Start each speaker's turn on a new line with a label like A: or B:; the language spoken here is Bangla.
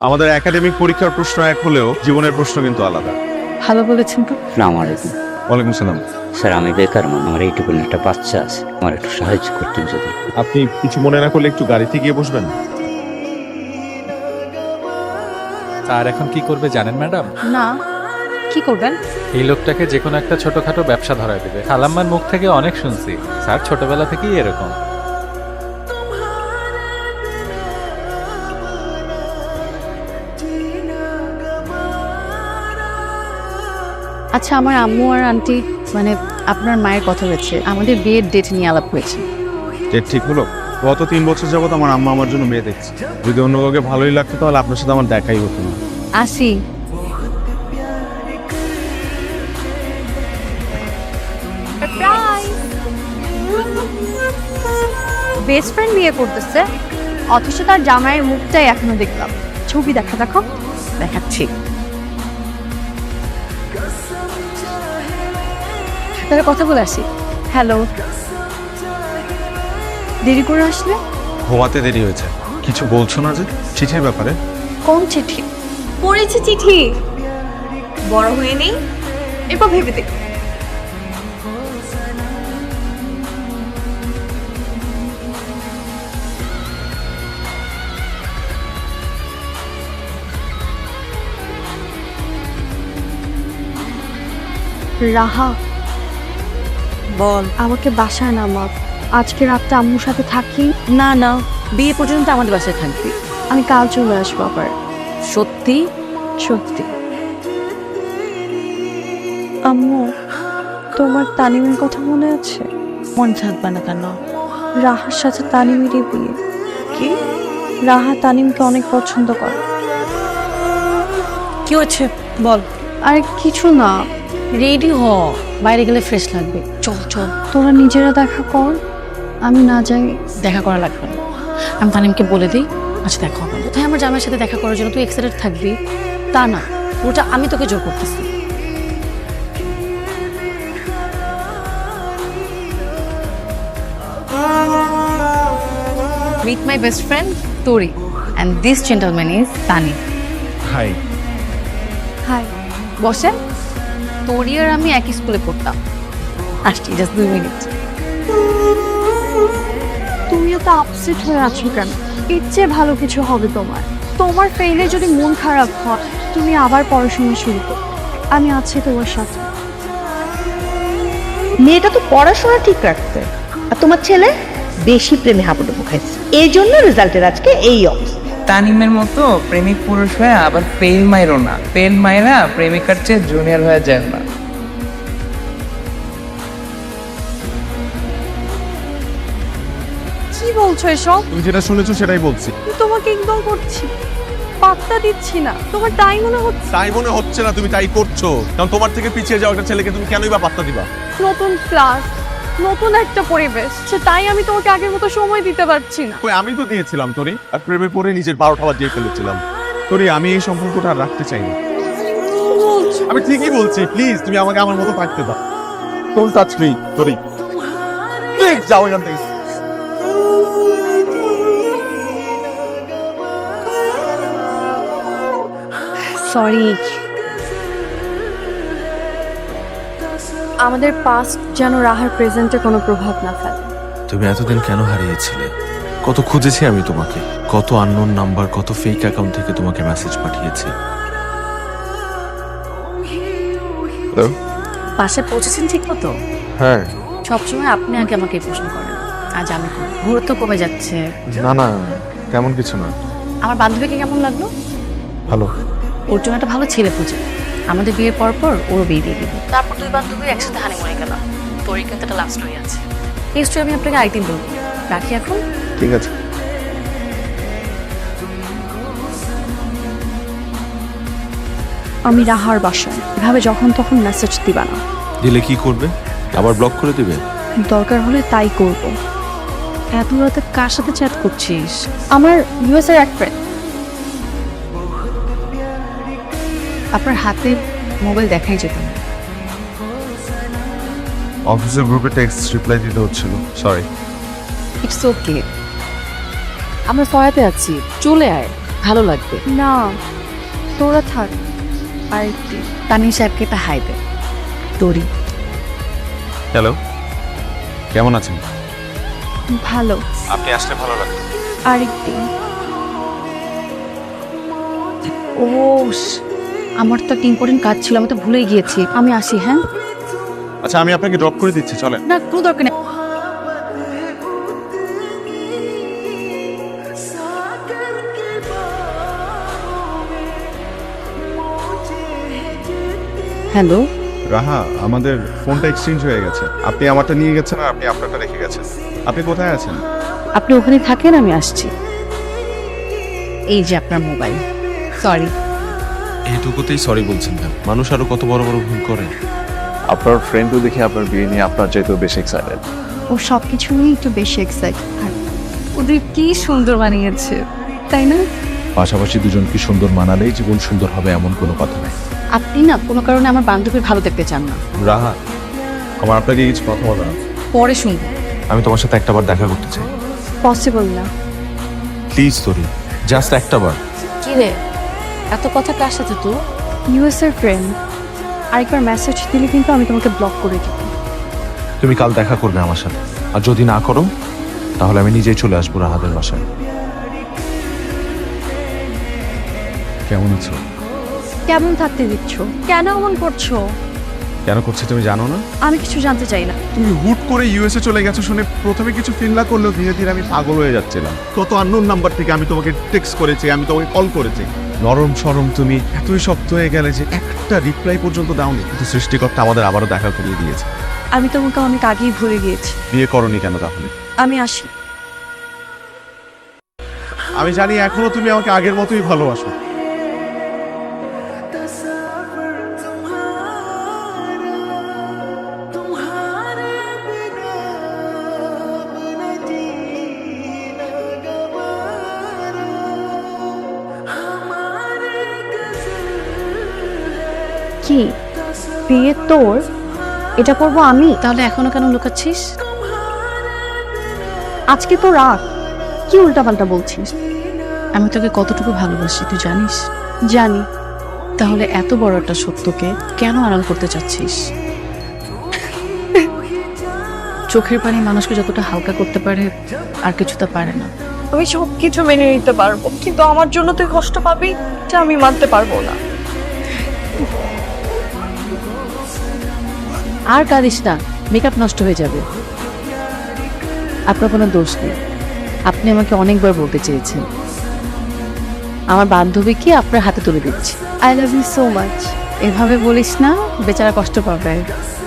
A: আমাদের একাডেমিক পরীক্ষার প্রশ্ন এক হলেও জীবনের প্রশ্ন কিন্তু আলাদা।
B: ভালো বলেছেন তো।
C: আসসালামু আলাইকুম।
A: ওয়ালাইকুম সালাম।
C: স্যার আমি বেকার মানুষ, আমার এইটুকু একটা বাচ্চা আছে, আমার একটু সাহায্য করতেন যদি।
A: আপনি কিছু মনে না করলে একটু গাড়িতে গিয়ে বসবেন।
D: আর এখন কি করবে জানেন ম্যাডাম?
B: না, কি করবেন?
D: এই লোকটাকে যে কোনো একটা ছোটখাটো ব্যবসা ধরায় দেবে। খালাম্মার মুখ থেকে অনেক শুনছি স্যার ছোটবেলা থেকেই এরকম।
B: আচ্ছা, আমার আম্মু আর আন্টি মানে আপনার মায়ের কথা হয়েছে, আমাদের বিয়ের ডেট নিয়ে আলাপ হয়েছে।
A: যে ঠিক হলো, গত 3 বছর যাবত আমার আম্মা আমার জন্য মেয়ে দেখছে। যদি অন্য কাউকে ভালোই লাগতো তাহলে আপনার সাথে আমার দেখাই হতো না।
B: আসি। বেস্ট ফ্রেন্ড বিয়ে করতেছে, অথচ তার জামাইয়ের মুখটাই এখনো দেখলাম। ছবি দেখো দেখাচ্ছি। তাহলে কথা বলে আসি। হ্যালো, দেরি করে আসলে?
A: ঘুমাতে দেরি হয়েছে। কিছু বলছো না যে চিঠির ব্যাপারে?
B: কোন চিঠি?
E: পড়েছে চিঠি, বড় হয়ে নেই, এরপর ভেবে দেখ।
B: রাহা,
E: বল।
B: আমাকে বাসায় নামা। আজকে রাতটা আম্মুর সাথে থাকি।
E: না না, বিয়ে পর্যন্ত আমাদের বাসায় থাকবি।
B: আমি কাল চলে আসবো আবার।
E: সত্যি?
B: সত্যি। আম্মু, তোমার তানিমের কথা মনে আছে?
E: মন থাকবে না কেন?
B: রাহার সাথে তানিমেরই বিয়ে।
E: কি?
B: রাহা তানিমকে অনেক পছন্দ করে।
E: কি হচ্ছে বল।
B: আরে কিছু না,
E: রেডি হ, বাইরে গেলে ফ্রেশ লাগবে। চল চল।
B: তোরা নিজেরা দেখা কর, আমি না যাই।
E: দেখা করা লাগবে না, আমি তানিমকে বলে দিই। আচ্ছা দেখা হবে, কোথায় আমার জামাইয়ের সাথে দেখা করার জন্য তুই এক্সাইটেড থাকবি তা না, ওটা আমি তোকে জোর করতেছি। Meet my best friend Tori, and this gentleman is Tani.
A: Hi.
B: Hi.
E: বসেন। তোরি আর আমি একই স্কুলে পড়তাম। আসছি, জাস্ট 2 মিনিট।
B: তুমি এত আপসেট হয়ে আছো কেন? এর চেয়ে ভালো কিছু হবে তোমার। তোমার ফেইলে যদি মন খারাপ হয়, তুমি আবার পড়াশোনা শুরু করো। আমি আছি তোমার সাথে।
F: মেয়েটা তো পড়াশোনা ঠিক রাখছে, আর তোমার ছেলে বেশি প্রেমে হাবুডুবু খাইছে, এই জন্য রেজাল্টের আজকে এই অবস্থা।
G: তানিমের মতো প্রেমিক পুরুষ হয়ে আবার ফেল মাইরো না। ফেল মাইরা প্রেমিকার চেয়ে জুনিয়র হয়ে যায় না।
B: কি বলছো এসব?
A: তুমি যেটা শুনেছো সেটাই বলছি।
B: আমি তোমাকে ইগনোর করছি, পাত্তা দিচ্ছি না। তোমার তাই মনে হচ্ছে?
A: তাই মনে হচ্ছে না, তুমি তাই করছো। কারণ তোমার থেকে পিছিয়ে যাওয়া একটা ছেলেকে তুমি কেনই বা পাত্তা দিবা?
B: নতুন ক্লাস, নতুন একটা পরিবেশ, সে তাই আমি তোমাকে আগের মতো সময় দিতে পারছি না।
A: কই, আমি তো দিয়েছিলাম তোরে, আর প্রেমে পড়ে নিজের 12টা বাজিয়ে ফেলেছিলাম। তোরে, আমি এই সম্পর্কটা আর রাখতে চাই না। আমি ঠিকই বলছি, প্লিজ তুমি আমাকে আমার মতো থাকতে দাও। ডোন্ট টাচ মি তোরে, প্লিজ যাও এখান থেকে।
B: সরি। আমাদের পাস্ট যেন রাহার প্রেজেন্টে কোনো প্রভাব না ফেলে।
H: তুমি এতদিন কেন হারিয়েছিলে? কত খুঁজেছি আমি তোমাকে, কত আননোন নাম্বার, কত ফেক অ্যাকাউন্ট থেকে তোমাকে মেসেজ পাঠিয়েছি।
E: বাসায় পৌঁছেছেন ঠিক মতো?
A: হ্যাঁ।
E: সবসময় আপনি আগে আমাকে এই প্রশ্ন করেন, আজ আমি করব। গুরুত্ব কমে যাচ্ছে।
A: না না, তেমন কিছু না।
E: আমার বান্ধবীকে কেমন লাগলো?
A: ভালো।
E: ওর জন্য একটা ভালো ছেলে খুঁজে, আমাদের বিয়ের পর পর ওরও বিয়ে দিয়ে দিব। তারপর 2 বান্ধবী একসাথে হানিমুনে গেলাম। তোরই কিন্তু একটা লাভ স্টোরি আছে, এই স্টোরি আমি আপনাকে আরেকদিন বলবো। রাখি এখন।
A: ঠিক আছে।
B: আমি রাহার বাসায়, এভাবে যখন তখন মেসেজ দিবা না।
H: দিলে কি করবে? আবার ব্লক করে দিবে?
B: দরকার হলে তাই করব।
E: এত রাতে কার সাথে চ্যাট করছিস?
B: আমার ইউএস এর এক ফ্রেন্ড।
E: আপনার হাতে মোবাইল দেখাই যেত না।
A: অফিসের গ্রুপে টেক্সট রিপ্লাই দিতে হচ্ছিল, সরি।
E: ইটস ওকে, আমরা সহায়তে আছি, চলে আয়। ভালো লাগবে।
B: না তোরা থাক আরেকটি।
E: তানিম সাহেবকে একটা হাই দে। তোরি
A: হ্যালো, কেমন আছেন?
B: ভালো।
A: আপনি আসলে ভালো লাগবে।
B: আরেকটি।
E: ও আমার তো একটা ইম্পর্টেন্ট কাজ ছিল, আমি তো ভুলেই গিয়েছি। আমি আসি, হ্যাঁ?
A: আচ্ছা, আমি আপনাকে ড্রপ করে দিচ্ছি, চলেন।
E: না, কোনো দরকার নেই। হ্যালো,
A: রাহা, আমাদের ফোনটা এক্সচেঞ্জ হয়ে গেছে। আপনি আমারটা নিয়ে গেছেন আর আপনি আপনারটা রেখে গেছেন। আপনি কোথায় আছেন?
E: আপনি ওখানে থাকেন, আমি আসছি। এই যে আপনার মোবাইল। সরি।
H: এইটুকুতেই সরি বলছেন কেন? মানুষ আরো কত বড় বড় ভুল করে।
I: আপনার ফ্রেন্ডও দেখে আপনার বিয়ে নিয়ে আপনার চাইতেও বেশি এক্সাইটেড।
B: ও সব কিছু নিয়ে একটু বেশি এক্সাইট।
E: ওদের কি সুন্দর বানিয়েছে, তাই না?
I: পাশাপাশি দুজন কি সুন্দর মানালেই জীবন সুন্দর হবে এমন কোনো কথা নেই।
E: আপনি না কোনো কারণে আমার বান্ধবীর ভালো দেখতে চান না।
A: রাহা, আমার আপনাকে কিছু কথা বলা আছে।
E: পরে শুনবো।
H: আমি তোমার সাথে একটাবার দেখা করতে চাই।
B: পসিবল না।
H: প্লিজ তোরি, জাস্ট একটাবার।
E: কি রে, এত কথা কার সাথে তো?
B: ইউএস এর ফ্রেন্ড। আরেকবার মেসেজ দিলে কিন্তু আমি তোমাকে ব্লক করে দিব।
H: তুমি কাল দেখা করবে আমার সাথে, আর যদি না করো তাহলে আমি নিজেই চলে আসবো রাহাদের বাসায়।
A: কেমন আছো?
B: কেমন থাকতে দিচ্ছ? কেন এমন করছো?
A: কেন করছে তুমি জানো না?
B: আমি কিছু জানতে চাই না।
A: তুমি হুট করে ইউএসএ চলে গেছো শুনে প্রথমে কিছু ফিল না করলেও ধীরে ধীরে আমি পাগল হয়ে যাচ্ছিলাম। কত আননোন নাম্বার থেকে আমি তোমাকে টেক্সট করেছি, আমি তোমাকে কল করেছি। নরম সরম তুমি এতই শক্ত হয়ে গেলে যে একটা রিপ্লাই পর্যন্ত দাওনি। কিন্তু সৃষ্টিকর্তা আমাদের আবারও দেখা করিয়ে দিয়েছে।
B: আমি তোমাকে অনেক আগেই ভুলে গিয়েছি।
A: বিয়ে করনি কেন তাহলে?
B: আমি আসি।
A: আমি জানি এখনো তুমি আমাকে আগের মতোই ভালোবাসো।
B: কি বিয়ে তোর? এটা করবো আমি?
E: তাহলে এখনো কেন লুকাচ্ছিস?
B: আজকে তো রাত, কি উল্টাপাল্টা বলছিস?
E: আমি তোকে কতটুকু ভালোবাসি তুই জানিস?
B: জানি।
E: তাহলে এত বড় একটা সত্যকে কেন আড়াল করতে চাচ্ছিস? চোখের পানি মানুষকে যতটা হালকা করতে পারে আর কিছু তা পারে না।
B: আমি সব কিছু মেনে নিতে পারবো, কিন্তু আমার জন্য তুই কষ্ট পাবি এটা আমি মানতে পারবো না।
E: আর কাঁদিস না, মেকআপ নষ্ট হয়ে যাবে। আপনার কোনো দোষ নেই। আপনি আমাকে অনেকবার বলতে চেয়েছেন আমার বান্ধবীকে আপনার হাতে তুলে দিচ্ছি।
B: I love you so much.
E: এভাবে বলিস না, বেচারা কষ্ট পাবে।